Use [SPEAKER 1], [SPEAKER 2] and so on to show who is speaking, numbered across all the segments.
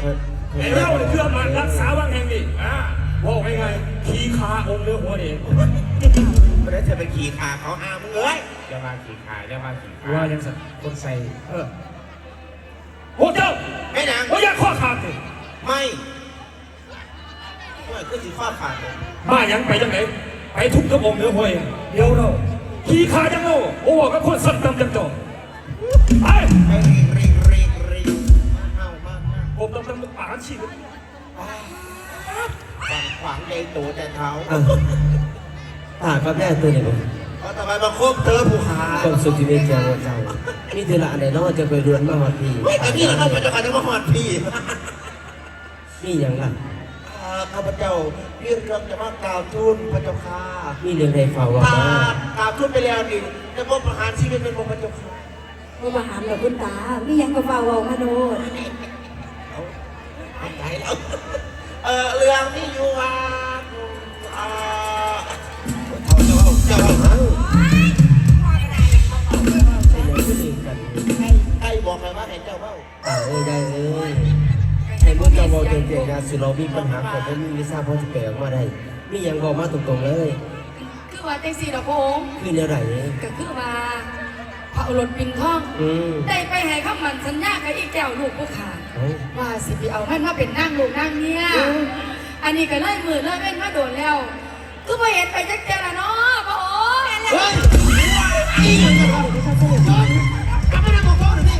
[SPEAKER 1] ไอ้เจ้าเพื่อมารักษาวังแห่งนี้บอกไงขี่ขาองค์เนื้อหัวเอง
[SPEAKER 2] ไม่ได้จะไปขี่ขาเขาห้ามมึงเอ้ย
[SPEAKER 3] จะมาขี่ขาจะมาขี่ขา
[SPEAKER 1] ว่ายังสักคนใส่โอ้เจ้า
[SPEAKER 2] ไม่นาง
[SPEAKER 1] โอ้ยข้อขาดเลย
[SPEAKER 2] ไม่ก็สิข้อขาดเลย
[SPEAKER 1] มายังไปจังไหนไปทุบกระองค์เนื้อหัวเองเดี๋ยวเราขี่ขาจังโง่โอ้ก็คนสั่นตำจังจอไป
[SPEAKER 2] เอามา
[SPEAKER 1] ผมต้องป่าชีวิต
[SPEAKER 2] ขวางในตัวแต่เท้า
[SPEAKER 4] ครับแน่ตัวเนี่ย
[SPEAKER 2] ก็ทำไมมาคบเธอผู้หา
[SPEAKER 4] ความสุขที่มีเจ้าเจ้ามีเธอละอะไรน้องจะไปเรือนมาหอดพี่
[SPEAKER 2] ไม่แต่พี่เราต้องไปจะมาหอดพี่
[SPEAKER 4] นี่อย่างล่ะ
[SPEAKER 2] ข้าพเจ้าพี่เราจะมากล่าวทูลพระเจ้าค่ะ
[SPEAKER 4] นี่เรื่องใดฝ่าวะ
[SPEAKER 2] กล่าวทูลไปแล้วนี่จะมอบประหารชีวิตเป็นพระเจ้าค่ะ
[SPEAKER 5] มาประหารกับคุณตาไม่ยังกระเป๋าเอามาโน่น
[SPEAKER 2] ใจแล้วเรื่องที่อยู่ว่าเจ้าใครบอกใครว่าให้เจ้าเบ้า
[SPEAKER 4] ได้ให้พวกเจ้าบอกเก่งๆนะสิเรามีปัญหาแต่ผมมีวิชาพอจะแปลออกมาได้มีอย่างบอกมาตรงๆเลย
[SPEAKER 5] คือว่าเต็งสี่ดอกโง
[SPEAKER 4] คือเนื้อไหน
[SPEAKER 5] ก็คือว่าพระอรรถปินทองได้ไปให้ข้ามันสัญญากับอีแก้วลูกผู้ขาว่าสิไปเอามันมาเป็นนั่งลูกนั่งเนี่ยอันนี้ก็ไล่มือไล่เป็นมาโดนแล้วก็ไปเห็นไปจักแก่ละเนาะพระองค์
[SPEAKER 2] เฮ้ยกลับมาได้บอกพ่อหน่อย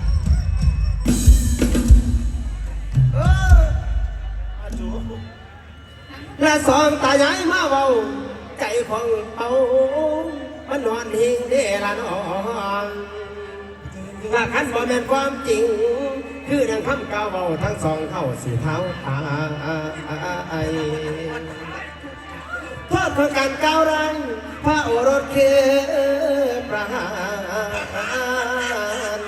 [SPEAKER 2] ดิ
[SPEAKER 4] และสองตายายมาเบาใจของเขามันนอนหิงเดละนอนถ้าขันบ่แม่นความจริงคือดังคำกล่าวเบาทั้งสองเท่าสี่เท้าตายโทษของการก้าวรังพระโอรสคือประหาร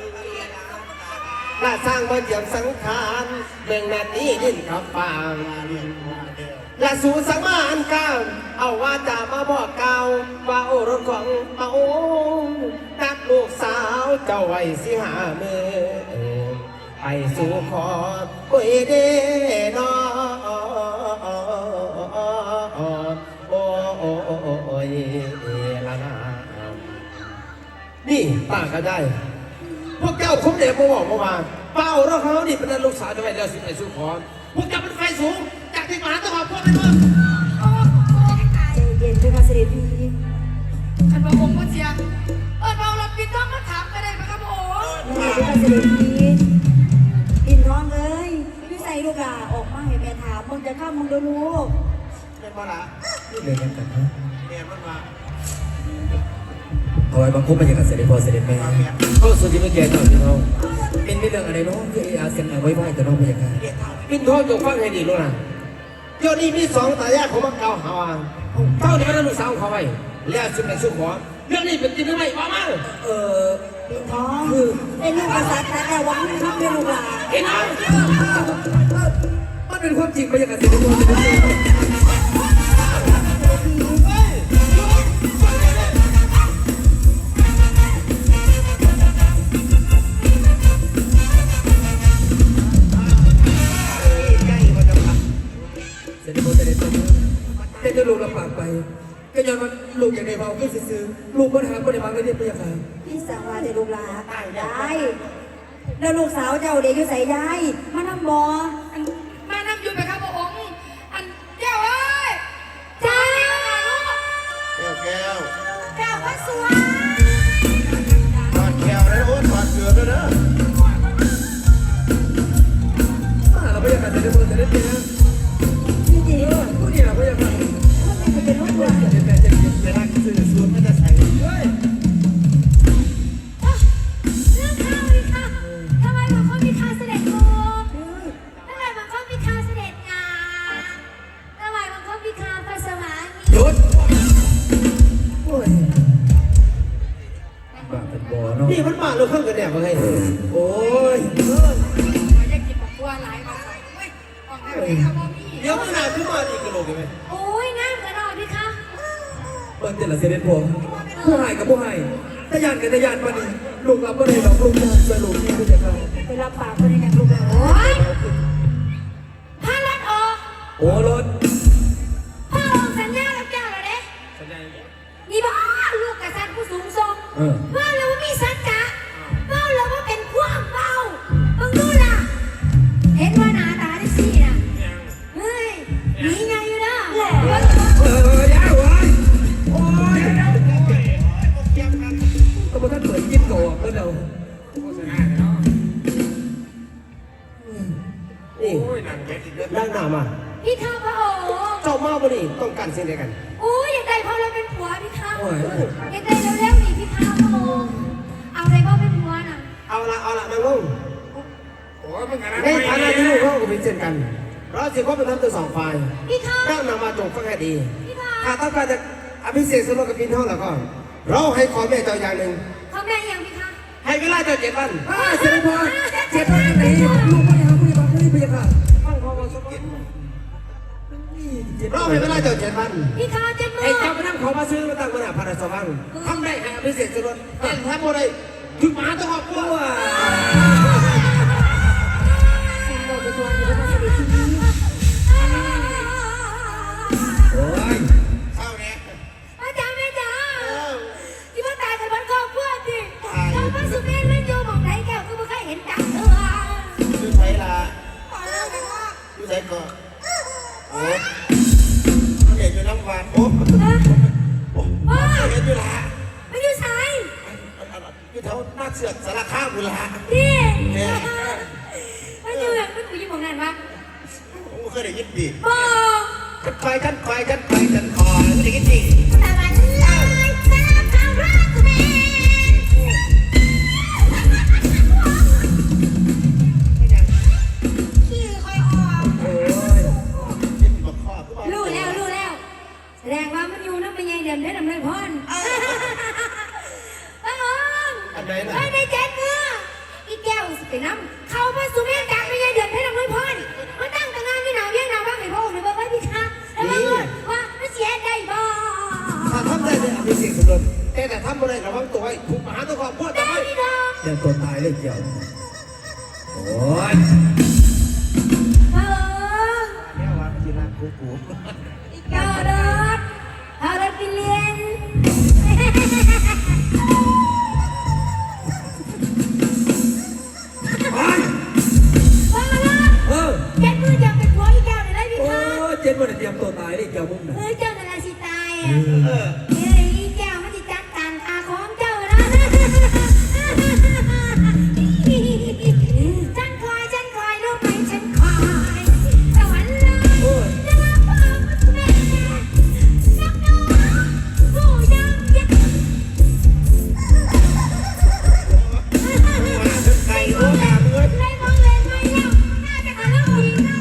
[SPEAKER 4] และสร้างบ่เจียมสังขารเบ่งแม่นี้ดิ้นกับฟางและสู่สังมาอันก้าวเอาว่าจะมาบอกกล่าวว่าโอรสของเอานักลูกสาวเจ้าไว้สิหามือไปสู่ขอคุยเดนอนี่ป้าก็ได้พวกเจ้าคุ้มเด็กมาบอกมาเป้าเราเขานี่เป็นลูกสาวจะไปแล้วสิไปสู่ขอพวกเจ้าเป็นไฟสูงจากที่หมาต้องขอพ่อเป็นเมื่อ
[SPEAKER 5] ใจเย็นด้วยค่ะเสด็จพี่ขันพระองค์ก็เสียเราเราปินท้องมาถามกันได้ไหมครับพระองค์ด้วยค่ะเสด็จพี่ปินท้องเลยพี่ใส่ลูกหลาออกมาให้แม่ถามมึงจะเข้ามึงดูลูก
[SPEAKER 2] เป็นบ่ละ
[SPEAKER 4] เรียนกันฮะ
[SPEAKER 2] เรียนมันมา
[SPEAKER 4] ถอยมาคุ้มมาอย่างกับเสด็จพ่อเสด็จแม่ก็สุดที่เมื่อกี้ตอนที่เขาเป็นเรื่องอะไรน้องคืออาเซียนเอาไว้ไหวแต่น้องไม่อยากการปินทองจงฟังให้ดีลูกนะเดี๋ยวนี้มีสองตายายของมังเก่าหาวเจ้านี่เป็นลูกสาวเขาไว้แล้วสุดในสุดขอเรื่องนี้เป็นจริงหรือไม่ออกมา
[SPEAKER 5] ปินทองคือเป็นลูกกษัตริย์แต่ว่าไม่ทำเป็นลูกหลาน
[SPEAKER 4] เห็นไหมมันเป็นความจริงไปอย่างกับเสด็จพ่อเสด็จแม่จะลูกลำบากไปก็ยังมันลูกอย่างในเบาก็ซื้อลูกปัญหาปัญหาไม่ได้ไปยังไง
[SPEAKER 5] พี่สังวาจะลูกหลาตายได้แล้วลูกสาวเจ้าเด็กอยู่ใส่ยายมานำบ่มานำอยู่ไปครับพระองค์อันแก้วเอ้ยจ้า
[SPEAKER 2] แก้ว
[SPEAKER 5] ว่าสวย
[SPEAKER 2] ถอดแก้วเลยโอ้ถอดเกลือด้วยนะ
[SPEAKER 4] เราไปยังไงจะได้เปิดจะได้เปลี่ยนผู้นี้เราไปยังไง
[SPEAKER 5] เป็นลูกวัว
[SPEAKER 2] เวลาซื้อสูตรไม่ได้ใส่
[SPEAKER 5] เรื่องข้าวดิค่ะทำไมมันก็มีข้าเสด็จโกทำไมมันก็มีข้าเสด็จงาทำไมมันก็มีข้าพระสวรรค์
[SPEAKER 4] หยุดโอ้ยบ้าเป็นบ่อเนาะนี่มันบ้าเราเพิ่งกันแน่มาไงโอ้ย
[SPEAKER 5] ไม่ได้กินบัวหลายมา
[SPEAKER 4] เดี๋ยวมึงหนาขึ้นมาอีกกระโหลกไหม
[SPEAKER 5] โอ้ยง่ายกระโดดดิคะ
[SPEAKER 4] เปิดเจริญเสด็จพ่อผู้ให้กับผู้ให้ทะยานกับทะยานมาดิลูกเราก็เลยหลอกลูกยานไปลูกนี่ก็จะเข้า
[SPEAKER 5] ไปรับปากคนในอย่างลูกแล้วโอ้ย
[SPEAKER 1] โอ้รถ
[SPEAKER 5] พ่อองค์สัญญากับเจ้าแล้วเด้
[SPEAKER 3] สัญญาอย่าง
[SPEAKER 5] นี่บ่ลูกกษัตริย์ผู้สูงทรง
[SPEAKER 1] เออ
[SPEAKER 5] ว่าเรามีสัจจะว่าเราว่าเป็นความเบามึงดูล่ะ เห็นว่าหน้าตาได้สิน่ะ
[SPEAKER 3] ยัง
[SPEAKER 5] เฮ้ยหนีไงอยู่นะ
[SPEAKER 1] ยาวไว้โอ้ยตัวมันท่านเปิดกินก่อนแล้วเรา
[SPEAKER 3] โฆษณาเนาะ
[SPEAKER 4] นี่
[SPEAKER 3] โอ้ยหนังเด็ด
[SPEAKER 4] นั่งหน้ามา
[SPEAKER 5] พี่ข้าพระองค์
[SPEAKER 4] เจ้ามาบ่นี่ต้องการสิ่งใดกัน
[SPEAKER 5] โอ้ยอยากได้พ่อเราเป็นผัวพี่ข้าอยากได้เร็วๆนี่พี่ข้าพระองค์เอาอะไรพ่อเป็นผัวน่ะ
[SPEAKER 4] เอาละนั่งลง
[SPEAKER 3] โอ้ยมึงอะไร
[SPEAKER 4] ในฐานะที่ลูกเราก็เป็นเช่นกัน เราจะก็เป็นทั้งตัวสองฝ่าย
[SPEAKER 5] พี่ข้า
[SPEAKER 4] นั่งนำมาจงฟังให้ดี
[SPEAKER 5] พี่ข้า
[SPEAKER 4] ถ้าต้องการจะอภิเษกสมรสกับพี่น้องแล้วก็ เราให้ขอแม่เจ้าอย่างหนึ่ง
[SPEAKER 5] เขาแม่ยังพี่ข้า
[SPEAKER 4] ให้เวลาเจ้า7 วัน
[SPEAKER 1] เสด็จพ่อ7 วันไหนลูกไม่หาผู้ใหญ่บ้านเลยพยาค่ะ
[SPEAKER 4] ฟังพอมาสักวันเราให้เวลาเจ้า7 วัน
[SPEAKER 5] พี่ข้าเจ็บมื
[SPEAKER 4] ให้
[SPEAKER 5] อ
[SPEAKER 4] เจ้าไปนั่งขอมาซื้อมาตั้งมหาพระราชวังทำได้ให้อภิเษกสมรสแต่ทำอะไรถึงหมาต้องออกตัว
[SPEAKER 5] สิ่งเราจะตัวอยู่ในเสด็จที่นี้
[SPEAKER 1] โอ้ย
[SPEAKER 2] เข้าเนี่ย
[SPEAKER 5] อาจารย์แม่จ๋าที่มาตายแต่บ้านครอบครัวสิเราพระสุเมธเล่นโยมองไหนแก้วก็ไม่เคยเห็นจังเออ
[SPEAKER 2] อยู่ไสล่ะอยู่ไสก่อนโอ้เห็นอยู่น้ำหวานโอ้เห็นอยู่ละ
[SPEAKER 5] ไม่อยู่สาย
[SPEAKER 2] อยู่แถวหน้าเสือกสารคามอยู่ละ
[SPEAKER 5] นี่ไม่อยู่แบบไม่กูยิ้มมองนั่นวะ
[SPEAKER 2] ผมเคยได้ยินดี
[SPEAKER 5] บอก
[SPEAKER 4] กันคอยไม่ได้กินจริง
[SPEAKER 5] แต่วันลอยตาทางรักแม่ขี้คอยออก
[SPEAKER 1] โอ้ย
[SPEAKER 2] ยินบอกข้อคือว่า
[SPEAKER 5] รู้แล้วแสดงว่ามันอยู่น้ำเป็นไงเดิมได้ดำเลยพรพระองค์
[SPEAKER 2] อันไหนน่ะ
[SPEAKER 5] ไม่ได้แจ้งเมื่ออีแก้วสิไปน้ำเขาพระสุเมธกลางเป็นไงเดิมได้ดำเลยพรมาตั้งแต่งานที่หนาวเยี่ยงหนาวบ้างให้พระองค์หรือว่าไว้พี่คะแล้วมาว่ามันเสียได้บ่
[SPEAKER 4] ถ้าทำได้เนี่ยอภิเษกสมรสแต่ทำไม่ได้ระวังตัวไว้ถูกหมาต้องขอพูด
[SPEAKER 5] ได้
[SPEAKER 4] ทำไม
[SPEAKER 5] พี่น้อง
[SPEAKER 1] ยังตัวตายเลยเกี่ยวโอ้ย
[SPEAKER 5] พระองค์
[SPEAKER 2] เนี่ยว่ามันอยู่หน้ากู
[SPEAKER 5] อีแก้วรถเอารถไปเรียน
[SPEAKER 1] ไป
[SPEAKER 5] ว่าละ
[SPEAKER 1] เออ
[SPEAKER 5] เจ็ดมือยังเป็นผัวอีแก้วเลยได้พี่
[SPEAKER 1] โอ้
[SPEAKER 5] คะ
[SPEAKER 1] 7 วันเตรียมตัวตายเลยเกี่ยวมึงนะ
[SPEAKER 5] เฮ้ยเจ้านาราสิตายอ่ะ
[SPEAKER 2] เออ
[SPEAKER 5] เฮ้ยอีแก้วมันจะจัดการอาของเจ้านะฉันคอยรู้ไหมฉันคอยสวรรค์เลย
[SPEAKER 1] โอ้ย
[SPEAKER 5] จะรับพ่อแม่นักน้องผู้ยังยักษ์
[SPEAKER 2] ไก่โอ้ยามเอ้ย
[SPEAKER 5] เลยมองเลยไม่เล่าน่าจะทะเลาะอีกนะ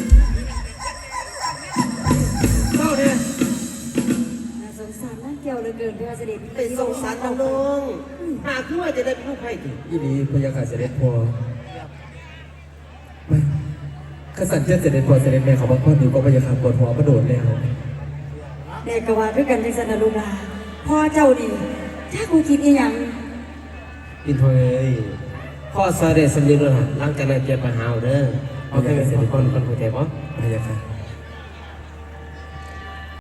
[SPEAKER 1] เข้าเนี่ย
[SPEAKER 5] น่าสงสารน่าเกี่ยวเหลือเกินเพื่อเสด็จ
[SPEAKER 4] ไปส่งสารน้องหากคือว่าจะได้เป็นลูกไผ่ถึง
[SPEAKER 1] ยี่ดีพยาค่ะเสด็จพ่อไม่ขสันเจ้าเสด็จพ่อเสด็จแม่เขาบอกพ่อหนูก็พยาค่ะปวดหัวกระโดดแล้ว
[SPEAKER 5] แม่กว่าด้วยกันในสนามลูกลาพ่อเจ้าดีถ้ากูคิดอีหยัง
[SPEAKER 4] อินทอยพ่อสาเดชสำลีด้วยหลังจากนั้นเก็บไปหาเด้อเอาไปเป็นคนผู้เทพอ๋อ
[SPEAKER 1] พยาค่ะ